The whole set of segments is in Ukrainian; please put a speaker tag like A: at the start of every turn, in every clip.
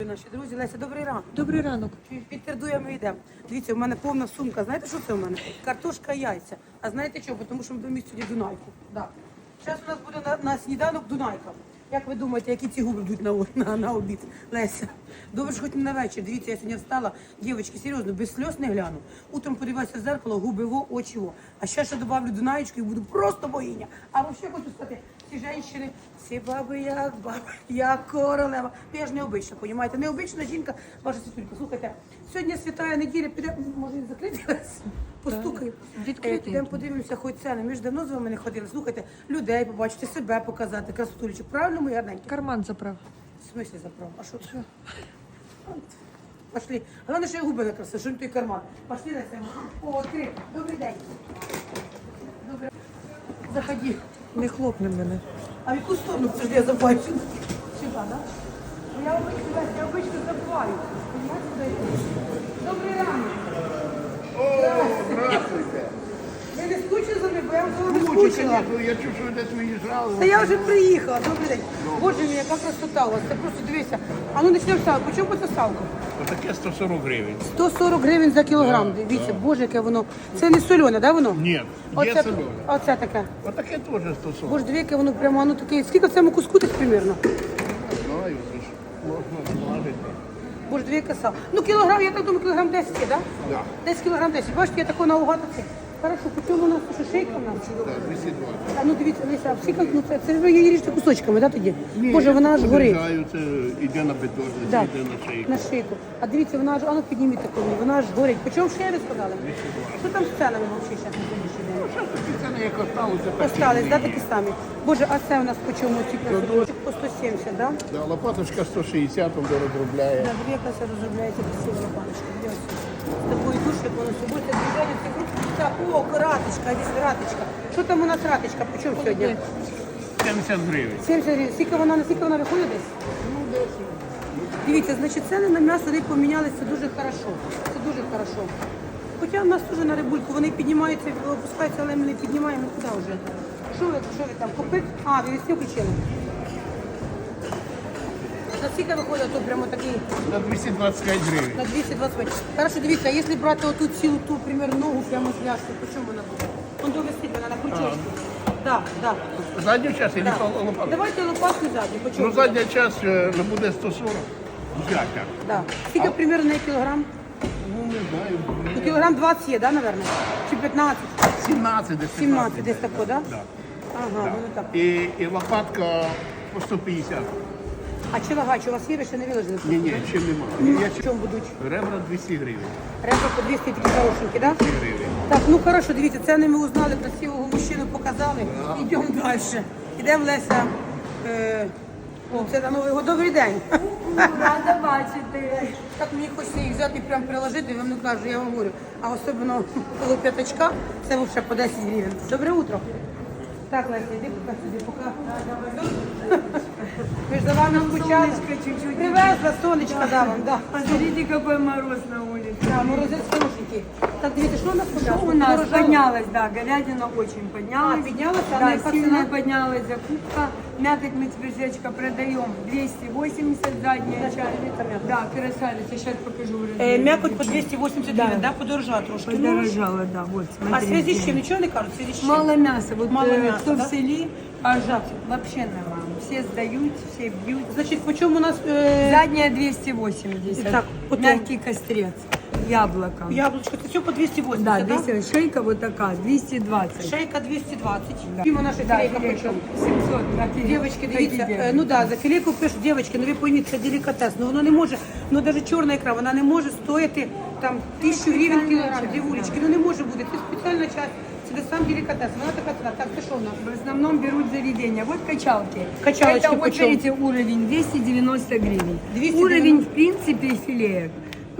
A: Наші друзі, Леся, добрий ранок.
B: Добрий ранок.
A: Підтвердує, ми йдемо. Дивіться, у мене повна сумка. Знаєте, що це у мене? Картошка, яйця. А знаєте чого? Тому що ми будемо сьогодні Дунайку. Да. Зараз у нас буде на сніданок Дунайка. Як ви думаєте, які ці губи йдуть на обід? Леся, добре, що хоч не на вечір. Дивіться, я сьогодні встала, дівчатки, серйозно, без сльоз не гляну. Утром подивилася в зеркало, губи во, очі во. А ще добавлю Дунаєчку і буду просто богиня. А взагалі хочу сказати, всі жінки, всі баби, як королева. Я ж необична, розумієте? Необична жінка, ваша світулька. Слухайте, сьогодні святая неділя, піде, може він закритий? Постукаю. Підемо подивимося, хоч ціни. Ми ж давно з вами не ходили. Слухайте, людей побачити, себе показати, красотулечок. Правильно, мої гарненькі?
B: Карман заправ.
A: В смысле заправ? А що це? Пошли. Головне, що я губи накрасила, що той карман. Пошли, Леся. О, відкрив. Добрий день. Добре. Заходи.
B: Не хлопне мене.
A: А в яку сторону це ж я забуваю? Сюди, так? Я обично забуваю. Понимаете, куди йти? Добрий ранок.
C: О, здравствуйте.
A: Ви не скучили за мною, бо я вам не
C: Скучу,
A: скучила.
C: конечно, я чув, що ви десь виїжджали.
A: Та я вже приїхала, добрий день. Боже мій, яка красота у вас, це просто дивися. А ну почнемо салку. По чому це салко?
C: Отаке 140 гривень.
A: 140 гривень за кілограм. Дивіться, боже, яке воно. Це не солене, да, воно?
C: Ні, є
A: Оце,
C: солене.
A: оце таке.
C: Отаке теж 140.
A: Боже, диви, яке воно прямо, ну таке. Скільки в цьому куску десь примірно?
C: Знаю, це ж можна змажити.
A: Боже, диви, яке сало. Ну, кілограм, я так думаю, кілограм 10 є, да?
C: Да.
A: Десь кілограм 10. Бачите, я такого наугад оце. Хорошо, по чому у нас що шейка в нас?
C: Так, 220.
A: А ну дивіться, Леся, а всі, ну це ж ви її ріжете кусочками, да, тоді? Боже, вона аж горить.
C: Обрізаю, це йде на бетон,
A: Да,
C: йде на шийку.
A: на шийку. А дивіться, вона аж, а ну підніміть таку, вона аж горить. По чому шея ви сказали? Що там з ценами взагалі зараз на сьогоднішній день?
C: Що такі ціни, як осталося, так і
A: Остались, да,
C: є.
A: такі самі. Боже, а це у нас по чому ці красоточок? По 170, да?
C: Да, лопаточка 160, він розробляє.
A: Да, дві якраз розробляється красива лопаточка. З такою душею, воно все буде движення цих рук. Так, о, раточка, десь раточка. Що там у нас раточка? По чому сьогодні?
C: 70 гривень.
A: 70 гривень. Скільки вона виходить десь? Дивіться, значить, ціни на м'ясо вони помінялися дуже хорошо. Це дуже хорошо. Хоча в нас теж на рибульку, вони піднімаються, опускаються, але ми не піднімаємо куди вже. Що ви там, купити? А, ви весні включили? На скільки виходить тут прямо такий?
C: На 225 гривень.
A: На 225. Хорошо, дивіться, а якщо брати оту цілу ту, примерно, ногу прямо з ляшкою, по чому вона буде? Он довести вона на крючочку. Так, так.
C: Задню час і лопатку?
A: Давайте лопатку задню, по чому?
C: Ну, задня час не буде 140. Як?
A: Да. Скільки примерно на кілограм?
C: Ну, не знаю.
A: Ну, кілограм 20 є, да, наверное? Чи 15?
C: 17 десь.
A: 17 десь тако, да?
C: Да.
A: Ага, воно так.
C: І лопатка по 150.
A: А чилагач у вас є, ви ще не виложили?
C: Ні, ще немає.
A: В чому будуть?
C: Ребра 200 гривень.
A: Ребра по 200 такі хорошенькі, да?
C: 200 гривень.
A: Так, ну хорошо, дивіться, це не ми узнали, красивого мужчину показали. Йдемо далі. Йдемо, Леся. Це на Новий год. Добрий день.
B: Рада бачити.
A: Так мені хочеться їх взяти і прям приложити, я вам не кажу, я вам говорю. А особливо коло п'ятачка, це взагалі по 10 гривень. Добре утро. Так, Леся, йди поки сюди, поки. Ми ж за вами скучали.
B: чуть-чуть.
A: Привезла, сонечко да вам, да.
B: Посмотрите, какой мороз на улице.
A: Да, морозець хорошенький. Так, дивіться, що у нас
B: Что
A: подорожало?
B: у нас
A: Подорожало?
B: поднялась, да, говядина очень поднялась.
A: А, поднялась, а
B: да,
A: яка
B: сильно
A: цена?
B: поднялась закупка. Мякоть мы теперь, Жечка, продаем 280 задняя часть. Да, красавица, сейчас покажу уже.
A: М'якоть по 280
B: Да.
A: гривень, да, подорожала трошки.
B: Подорожала, да, вот,
A: А в
B: смотрите.
A: связи з чим? Нічого не кажуть? В связи з чим?
B: Мало мяса, вот
A: Мало мяса,
B: кто
A: да?
B: в селе, пожалуйста, вообще нормально. Все сдают, все бьют.
A: Значить, по чому у нас
B: Задняя 280,
A: Так, потом.
B: мягкий кострец, яблоко.
A: яблучко? Це все по 280,
B: Да,
A: да?
B: 200, шейка вот такая, 220.
A: Шейка 220.
B: Да.
A: Фіма наша
B: Да,
A: філейка по
B: филейка
A: чому?
B: 700. да, филейка.
A: Дівчатки, дивіться,
B: Такі
A: ну да, за філейку пишуть, дівчатки, ну ви пойміть, це делікатес, ну воно не може, ну навіть чорна ікра, вона не може стояти там 1000 гривень кілограм, дівулечки, ну не може бути, це спеціальна часть, це сам делікатес, вона така ціна. Так, це що в нас?
B: В основном берут заведения. Вот качалки.
A: Качалочки
B: Это вот,
A: почем?
B: видите, уровень 290 гривен.
A: 290.
B: Уровень, в принципе, филеек.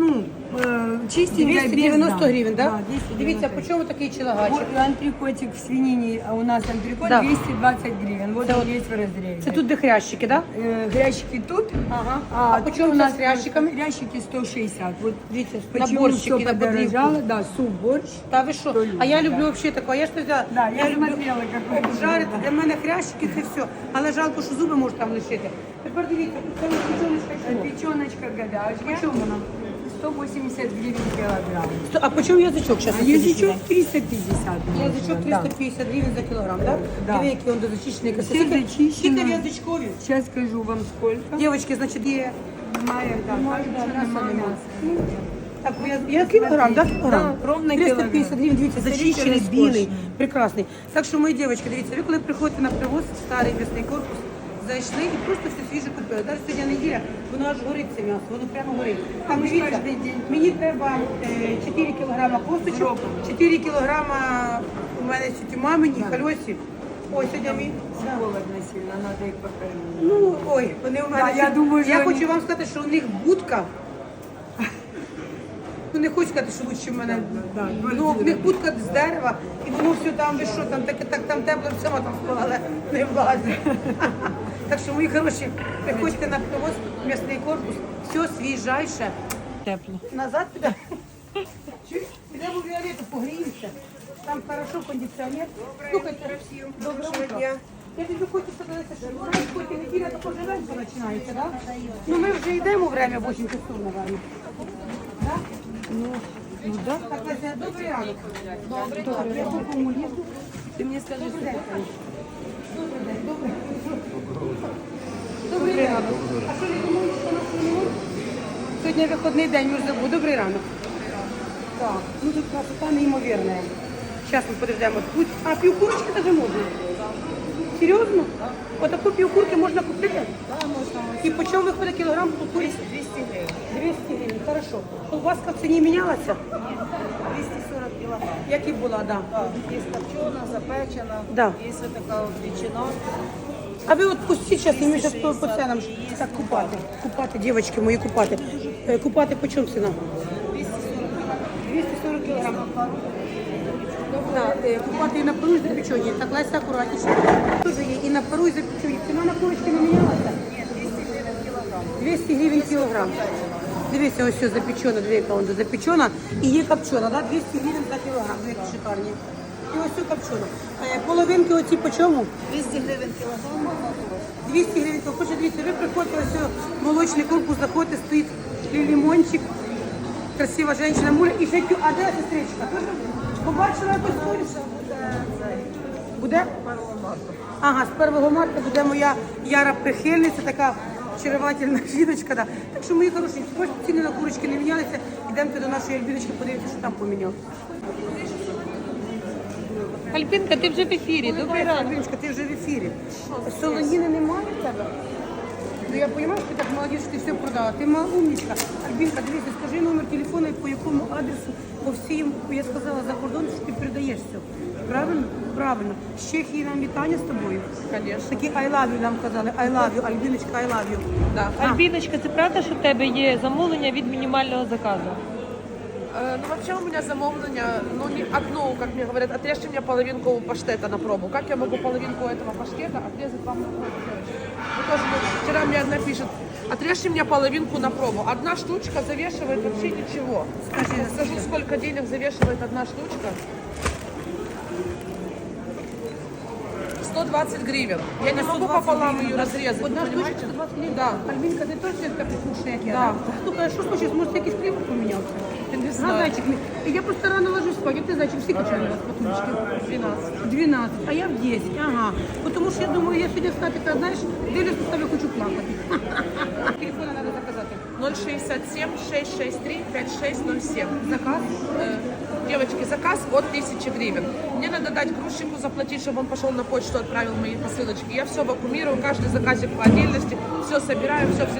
B: ну, чистенькая,
A: 290
B: без,
A: гривень, так?
B: Да,
A: Да?
B: 290.
A: Дивіться, по чому такий чилагачик?
B: Вот антрикотик в свинине, а у нас антрикот
A: Да.
B: 220 гривен. Вот
A: Это
B: он
A: вот-
B: есть в разрезе.
A: Це тут де хрящики, так? Да?
B: Грящики тут,
A: Ага.
B: а
A: по
B: тут
A: чому
B: у
A: у
B: нас
A: нас хрящиками?
B: Грящики 160. Вот
A: Дивіться,
B: почему
A: наборчики
B: все
A: на подрівку.
B: подорожало. Да, суп, борщ.
A: Та ви що? А я люблю взагалі такого. Я ж не взяла.
B: Да, я смотрела, как вы
A: Жарити для мене хрящики це все. Але жалко, що зуби можуть там лишити. Тепер дивіться, це печоночка чого?
B: Печеночка говяжья.
A: По чому вона?
B: 180 гривен килограмм.
A: А по чому язичок зараз?
B: А язычок 350.
A: Язичок
B: Да.
A: 350 гривень за кілограм, так?
B: Да.
A: Диви, які він дозачищений.
B: Все зачищено.
A: Скільки в язичкові?
B: Сейчас скажу вам сколько.
A: Дівчатки, значить, є...
B: Немає, да,
A: Немає,
B: кажуть,
A: да,
B: що
A: м'яса
B: немає
A: нема.
B: м'яса.
A: Так, я кілограм, так? Кілограм.
B: Да, ровно
A: 350
B: кілограм.
A: гривень, дивіться, зачищений,
B: Старий,
A: білий,
B: розкошний.
A: прекрасний. Так що, мої дівчатки, дивіться, ви коли приходите на привоз, в старий м'ясний корпус, зайшли і просто все свіже купили. Навіть сьогодні неділя, воно аж горить це м'ясо, воно прямо горить. Так,
B: Ми ж
A: дивіться,
B: кожний день.
A: мені треба 4 кілограма косточок, 4 кілограма у мене ці мамині, хальосі. Ой, сьогодні мій... да.
B: Холодно сильно, надо их покормить.
A: Ну, ой, вони у мене.
B: Да, я думаю, що
A: я
B: вони-
A: хочу вам сказати, що у них будка. Ну, не хочу сказати, що лучше в мене.
B: Да,
A: Ну, в них будка з дерева, і воно все там, ви що, там так там тепло, всього там спала, але не влазить. Так що, мої хороші, приходьте на привоз, м'ясний корпус, все свіжайше.
B: Тепло.
A: Назад підемо. Чуєш? Підемо в Віолету, погріємося. Там хорошо, кондиціонер. Слухайте, доброго дня. Я тобі хочу сказати, що знаєш, хоч і неділя також ранку починається, так? Ну ми вже йдемо время 8 часов, мабуть. Так? Ну да. Так, Леся, добрий ранок. Добрий ранок. Я по кому лізу.
B: Ты мне скажи,
A: Добрий день. Добрий день, добрий. Добрий ранок. А що, не думаєш, що нас не можна? Сьогодні вихідний день, ми ж забув. Добрий ранок. Так, ну тут красота неймовірна. Зараз ми подождемо. Тут, а півкурочки даже можна? Серйозно? Отаку півкурки можна купити?
B: Да, можно.
A: І по чому виходить кілограм куриці?
B: 200 гривен.
A: 200 гривень, хорошо. Колбаска в ціні мінялася?
B: 240 килограмм.
A: Як і була, да.
B: Есть копченая, запечена,
A: Да.
B: есть вот такая вот ветчина.
A: А ви от пустіть зараз, і ми зараз
B: 260
A: по ценам. Так, купати, дівчатки мої, купати. Купати по чому ціна? 240 кілограм. Да, купати і на пару, і запечені. Так, Леся, акуратніше. Дуже є і на пару, і запечені. Ціна на курочки не мінялася? 200 гривень кілограм. Дивіться, ось все запечена, дві яка запечена і є копчена, да? 200 гривень за кілограм, дві шикарні. І ось все копчена. Половинки оці по чому?
B: 200 гривен килограмм.
A: 200 гривень. Хоче дивіться, ви приходите, ось молочний корпус, заходите, стоїть лимончик, красива жінка, муля і ще а де сестричка? Тоже побачила якусь сторіс? Буде? Ага, з 1 марта буде моя яра прихильниця, така очаровательна жіночка. Да. Так що, мої хороші, хоч ціни на курочки не мінялися, йдемте до нашої Альбіночки, подивіться, що там помінялося.
D: Альбінка, ти вже в ефірі. Добрий ранок.
A: Альбіночка, ти вже в ефірі. Солоніни немає в тебе? Ну я розумію, що ти так молодець, що ти все продала. Ти мала умничка. Альбінка, дивіться, скажи номер телефону і по якому адресу, по всім, я сказала, за кордон, що ти передаєш все. Правильно? Правильно. З Чехії нам вітання з тобою.
D: Конечно.
A: Такі I love you нам казали. I love you, Альбіночка, I love you.
D: Да. Альбіночка, це правда, що в тебе є замовлення від мінімального заказу?
E: Ну, вообще у меня замовление, ну, не одно, как мне говорят, отрежьте мне половинку паштета на пробу. Как я могу половинку этого паштета отрезать вам на пробу, девочки? Вы тоже, вчера мне одна пишет, отрежьте мне половинку на пробу. Одна штучка завешивает вообще ничего. Скажу, сколько денег завешивает одна штучка. 120 гривен. Я не могу пополам ее разрезать,
A: Одна
E: вы
A: штучка
E: понимаете?
A: 120 гривень?
E: Да.
A: Альбінка, ти точно така вкусна, як я?
E: Да.
A: Слухай, а що случилось? Може, якийсь клімат помінявся?
E: Не
A: А,
E: знаю.
A: зайчик, я просто рано ложусь спать. А ти, зайчик, всі качали вас по тулечки?
E: 12.
A: 12, а я в 10, ага. Тому що я думаю, я сьогодні стати, така, знаєш, дивлюсь на тебе, хочу плакати. Телефони треба заказати.
E: 067 663 5607.
A: Заказ?
E: Девочки, заказ от 1000 гривен. Мне надо дать грузчику заплатить, чтобы он пошел на почту, отправил мои посылочки. Я все вакуумирую, каждый заказик по отдельности, все собираю, все.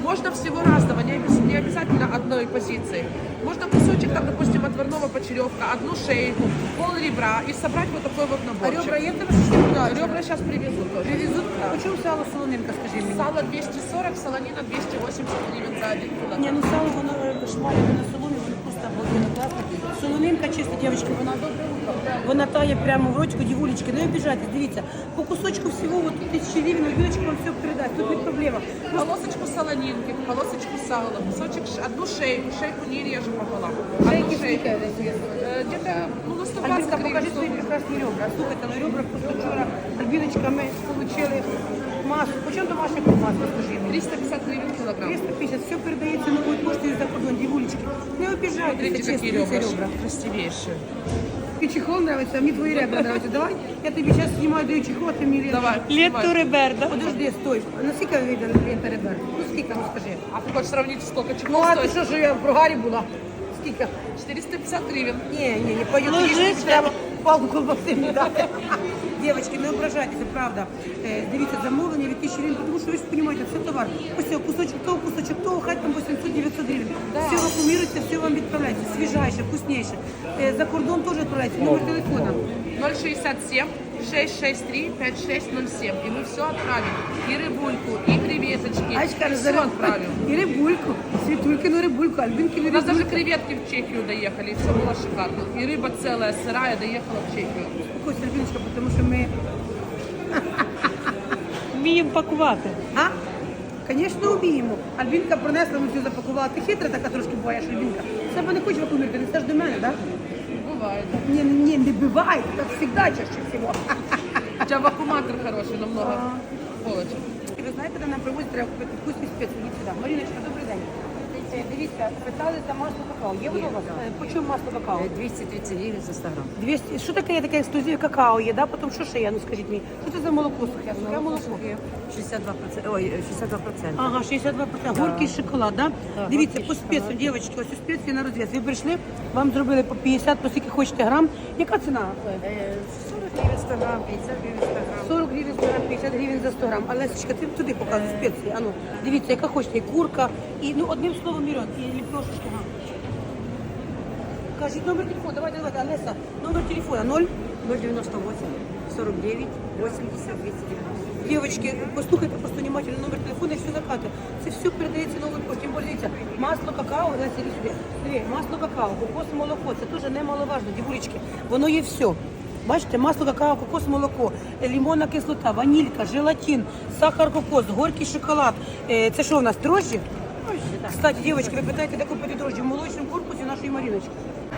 E: Можно всего разного, не обязательно одной позиции. Можно кусочек, там, допустим, отварного почеревка, одну шейку, пол ребра и собрать вот такой вот
A: А
E: наборчик.
A: ребра є в тебе щось не
E: Ребра сейчас привезут тоже.
A: Привезуть? Почому сало солонинка, скажи мені?
E: Сало 240, солонина 280 гривен за 1
A: Ні,
E: килограмм.
A: ну сало, воно шмаляне на соломі, воно просто обалденно класно. Солонинка чисто, дівчатки, вона добре утро. Вона тає прямо в рочку, дівулечки, не обіжайтесь, дивіться. По кусочку всього, от тут 1000 гривень, Альбіночка вам все передасть, тут не проблема.
E: Полосочку солонинки, полосочку сала, кусочек, одну шейку не режем пополам.
A: Шейки
E: Одну шейку.
A: скільки?
E: Где-то ну, на 120
A: Альбінка, покажи
E: гривен.
A: свої прекрасні ребра. Слухайте, на ребра просто вчора Альбіночка ми отримали масу. По чому домашня ковбаска, скажи мені?
E: 350 гривен килограмм.
A: 350, все передається новою поштою за кордон, дівулечки. Не обіжайтеся,
E: Смотрите,
A: чесно,
E: какие
A: це
E: ребра.
A: ребра.
E: Красивейшие.
A: Ти чехол нравится, а мне твои ребра нравятся. Давай, я тебе сейчас снимаю, даю чехол, а ты мне ребра.
E: Давай.
D: Летто
E: снимай.
D: Реберда.
A: Подожди, стой. Наскільки видно лента ребер? Ну скільки, ну скажи.
E: А ты хочешь сравнить, сколько
A: Ну
E: чехол
A: а ти
E: стоит?
A: що ж я в прогарі була? Скільки?
E: 450 гривен.
A: Не пойдет.
D: Ложись.
A: Прямо палку колбаси не дати. Дівчатки, не ображайтеся, правда. Дивіться, замовлення від 1000 гривень, тому що ви ж розумієте, це товар. Ось цього кусочок того, хай там 800-900 гривень. Все вакуумірується, все вам відправляється. Свіжайше, вкусніше. За кордон теж відправляється. Номер телефона.
E: 067 663 5607. И мы все отправим. И рыбульку, и креветочки.
A: Ачка,
E: все отправим.
A: і рибульку, світулькину рибульку, альбінкину
E: У нас даже
A: рибульку.
E: креветки в Чехию доехали, и все было шикарно. И рыба целая, сырая, доехала в Чехию.
A: Ось, Альбіночка, тому що ми...
D: Вміємо пакувати.
A: А? Звісно, вміємо. Альбінка принесла, ми цю запакувала. Ти хитра така трошки боїш, Альбінка. Себе не хочеш вакуумірувати, не стаж до мене, так?
E: Бывает.
A: Не буває, так завжди чаще всього.
E: У тебя вакууматор хороший, намного полочек.
A: І ви знаєте, де нам привозять, треба купити вкусні спеції. Ідіть сюди. Маріночка, добрий день. Дивіться, питали за масло какао. Є воно у вас? По чому масло какао?
F: 230 гривен за 100 грамм.
A: 200. Що таке таке ексклюзив какао є, да? Потім що ще є? Ну скажіть мені, що це за молоко сухе? Сухе молоко.
F: 62%. Ой, 62%.
A: Ага, 62%. Горький шоколад, да? Дивіться, по спецію, дівчатки, ось у спеції на розв'яз. Ви прийшли, вам зробили по 50, по скільки хочете грам. Яка ціна?
F: 40 гривен 100 грамм, 50 гривен 100 грамм.
A: 40 гривень 100 грам, 50 гривень за 100 грам. А Лесечка, ти туди показуй спеції. Ану, дивіться, яка хочете, і курка, і, ну, одним словом, мільйон, і ліпешечки. Ага. Кажіть номер телефону, давайте, Олеся, номер телефона 0.
F: 098 49 80 290.
A: Дівчатки, послухайте просто внимательно номер телефону і все закати. Це все передається новою поштою. Тим більше, дивіться, масло какао, Леся, іди сюди. Диви, масло какао, кокос, молоко, це теж немаловажно, дівулечки. Воно є все. Бачите, масло какао, кокос, молоко, лимонна кислота, ванілька, желатин, сахар, кокос, горький шоколад. Це що у нас, дрожжі? Кстати, дівчатки, ви питаєте, де купити дрожжі? В молочному корпусі нашої Маріночки.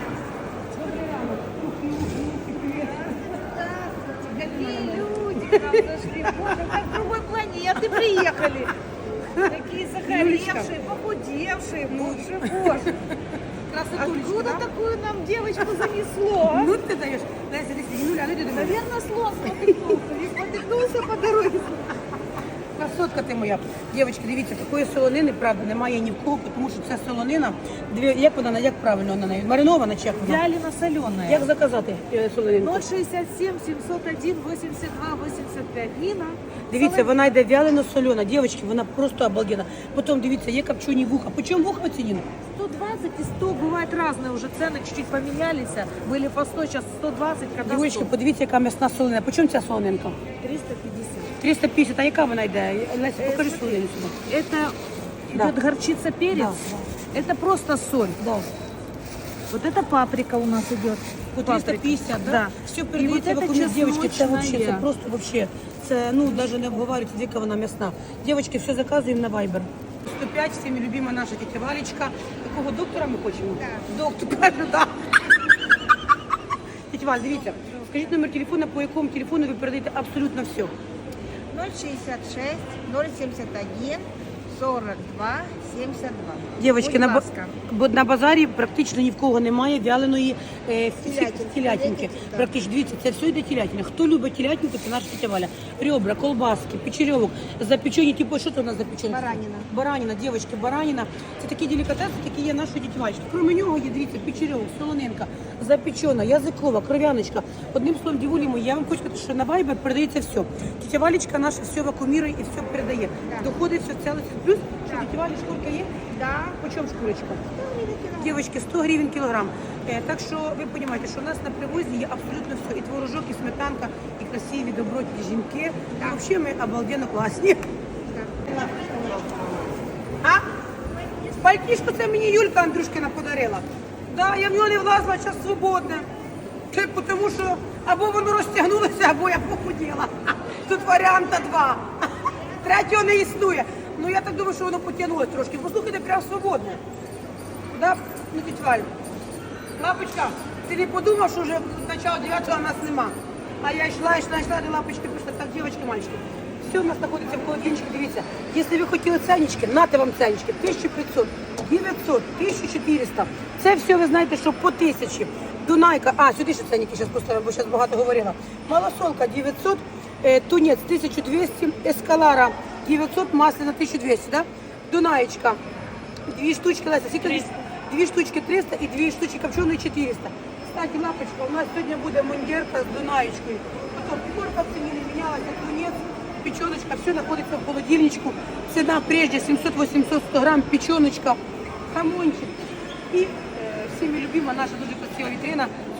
G: Какие люди к нам зашли, боже, как с другой планеты приехали. Такие загоревшие, похудевшие, боже, боже.
A: Красотулечка,
G: Откуда
A: да?
G: такую нам девочку занесло?
A: Ну ти даєш. Леся, десь, Юля, ну ти до мене.
G: Наверное, слон спотыкнулся по дороге.
A: Красотка ти моя. Дівчатки, дивіться, такої солонини, правда, немає ні в кого, тому що ця солонина, як вона, як правильно вона навіть? Маринована чи як вона?
G: Вялено соленая.
A: Як заказати солонинку?
G: 067 701 82 85. Нина.
A: Дивіться, вона йде вялено солена. Дівчатки, вона просто обалденна. Потім, дивіться, є копчені вуха. По чому вуха ціні?
G: 120 и 100 бывает разные уже цены, чуть-чуть поменялись. Были по 100, сейчас 120, когда
A: Дівчатки,
G: 100.
A: подивіться, яка м'ясна солонина. По чому ця солонинка?
G: 350.
A: 350, а яка вона йде? Леся, покажи солонину сюди.
G: Это
A: Да.
G: идет горчица, перец. Это просто соль.
A: Да.
G: Вот это паприка у нас идет.
A: По 350, да?
G: Да.
A: Все
G: И
A: передається
G: вот
A: в
G: это
A: окуні. Дівчатки, це вообще, це
G: чесночная.
A: просто вообще, це, ну, навіть не обговорюється, яка вона м'ясна. Дівчатки, все заказуємо на Viber. 105, всіми любима наша тітя Валечка. Такого доктора ми хочемо? Доктор, кажу, да. Тітя Валь, дивіться, скажіть номер телефону, по якому телефону ви передаєте абсолютно все.
H: 066 071 42 72.
A: Дівчатки,
H: Будь
A: на,
H: ласка.
A: на базарі практично ні в кого немає вяленої
H: Телятинки.
A: телятинки.
H: Так.
A: Практично, дивіться, це все йде телятина. Хто любить телятинку, це наша тітя Валя. Ребра, колбаски, печерьовок, запечені, типу, що це у нас запечені?
H: Баранина.
A: Баранина, дівчатки, баранина. Це такі делікатеси, які є нашої тіті Валечки. Крім нього є, дивіться, печерьовок, солонинка, запечена, язикова, кров'яночка. Одним словом, дівулі мої, я вам хочу сказати, що на Viber передається все. Тітя Валечка наша все вакуумірує і все передає. Доходить все ціле. Плюс що тетя Валі, шкурка є?
H: Да.
A: По чому шкурочка? Дівчатки, 100 гривень кілограм. Так що ви розумієте, що у нас на привозі є абсолютно все. І творожок, і сметанка, і красиві, добротні жінки. І взагалі ми обалденно класні. А? Пальтішко це мені Юлька Андрюшкина подарила. Да, я в нього не влазила, зараз свободне. Тому що або воно розтягнулося, або я похуділа. Тут варіанта два. Третього не існує. Ну я так думаю, що воно потягнулося трошки. Послухайте, прям свободне. Да? Ну, тіть Валь. Лапочка, ти не подумав, що вже начало 9-го нас нема. А я йшла, до лапочки прийшла. Так, дівчатки, мальчики. Все у нас знаходиться в холодильничку, дивіться. Якщо ви хотіли ценнички, нате вам ценнички. 1500, 900, 1400. Це все, ви знаєте, що по 1000. Дунайка, сюди ще ценники зараз поставимо, бо зараз багато говорила. Малосолка 900, тунець 1200, ескалара 900, масляна 1200, да? Дунаєчка, 2 штучки, Леся, скільки? 2 штучки 300 і 2 штучки копченої 400. Кстати, лапочка, у нас сьогодні буде мундірка з Дунаєчкою. Потім пікорка в ціні не мінялася, тунець, печеночка, все знаходиться в холодильничку. Ціна прежде 700-800 100 грам, печеночка, хамончик. І всіми любима наша дуже красива вітрина